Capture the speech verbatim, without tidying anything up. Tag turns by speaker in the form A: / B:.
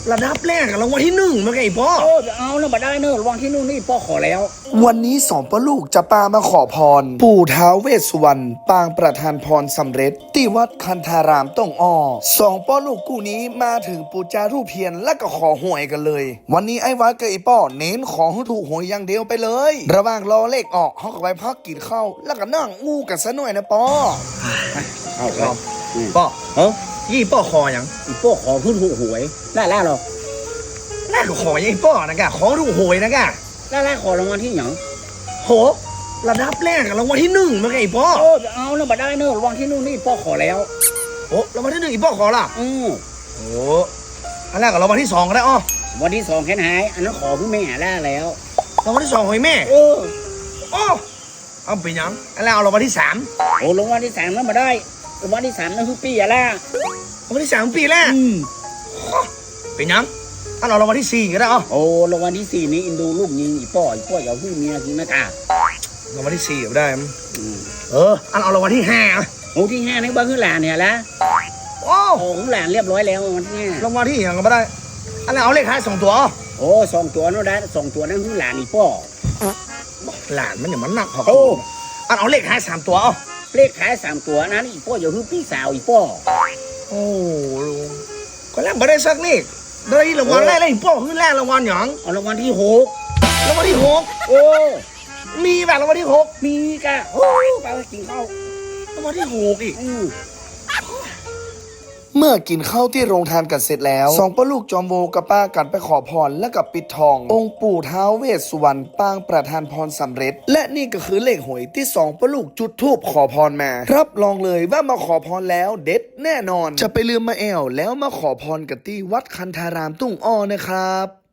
A: ระดับแรกรางวัลที่หนึ่งมาไงพ่อ
B: โอ้เอาแล้วมาได้เนอะรางวัลที่นู่นนี่พ่อขอแล้ว
C: วันนี้สองพ่อลูกจะปามาขอพรปู่ท้าวเวสสุวรรณปางประทานพรสำเร็จที่วัดคันธารามต้องอ้อสองพ่อลูกกูนี้มาถึงปูจารูปเพียนและก็ขอหวยกันเลยวันนี้ไอ้วัดกับไอ้ป้อเน้นขอให้ถูกหวยอย่างเดียวไปเลยระหว่างรอเลขออกเขาก็ไปพักกินข้าวแล้วก็นั่งงูกันซะหน่อยนะป้อ
B: เอา
A: ครับพ่อ
B: เออ
A: ยี่ป้อคออย่าง
B: อีพ่อขอขึ้นถูกหวยล่าล่าหรอ
A: น่าก็ขออย่างป้อนะกะขอถูกหวยนะกะ
B: ล่าล่าขอรางวัลที่หยัง
A: โหระดับแรกรางวัลที่หนึ่งมาไงพ่อ
B: โอ้เอาแล้วมาได้เนอะรางวัลที่นู่นนี่พ่อขอแล้ว
A: โอ้รางวัลที่หนึ่งอีป้อขอล่ะ
B: อือ
A: โอ้อันแรกกับรางวัลที่สองก็ได้อ้อ
B: วันที่สองแค่ไหนอันนั้นขอพี่แม่ล่าแล้ว
A: รางวัลที่สองหอยแม่
B: เออ
A: โอ้เอาไปยังอันแรกเอารางวัลที่สาม
B: โอ้รางวัลที่สามแล้วมาได้รางวัลที่สามนั่นคือปีอะไร
A: รางวัลที่สามปีแรก
B: อืม
A: เป็นยังอันเอารางวัลที่สี่ก็ได้อ้อ
B: โอ้รางวัลที่สี่นี้อินดูลูกยิงอีป้ออีป้ออย่าพึ่งเมียกินนะก
A: ารางวัลที่สี่ก็ได้เอออันเอารางวัลที่ห้า
B: โอ้ที่ห้านี่บ้านคือหลานเนี่ยละ
A: โอ้
B: โอ้คือหลานเรียบร้อยแล้ววันที่ห้าร
A: างวัลที่ยังก็ไม่ได้อันนั้นเอาเลขท้ายสองตัว
B: โอ้สองตัวนั่นได้สองตัวนั่นคือหลานอีป้อ
A: หลานมันอย่างมันหนักพอโอ้อันเอาเลขท้ายสามตัวอ๋อ
B: เลขท้ายสามตัวนั้นอีป้ออย่าพึ่งพี่สาวอีป้อ
A: โอ้ก็แล้วไม่ได้สักเลขได้รางวัลแรกเลยอีป้อคือแรกรางวัลอย่าง
B: เอารางวัลที่หก
A: รางวัลที่หก
B: โอ้
A: มีแบบรางวัลที่หก
B: มีกะโอ้ไปกินข้าว
A: รางวัลที่หกอีก
C: เมื่อกินข้าวที่โรงทานกันเสร็จแล้วสองป้าลูกจอมโวกับป้ากันไปขอพรและกับปิดทอง องค์ปู่ท้าวเวสสุวรรณปางประทานพรสำเร็จและนี่ก็คือเลขหวยที่สองป้าลูกจุดธูปขอพรมารับรองเลยว่ามาขอพรแล้วเด็ดแน่นอนจะไปลืมมาแอวแล้วมาขอพรกันที่วัดคันธารามตุ้งอ้อนะครับ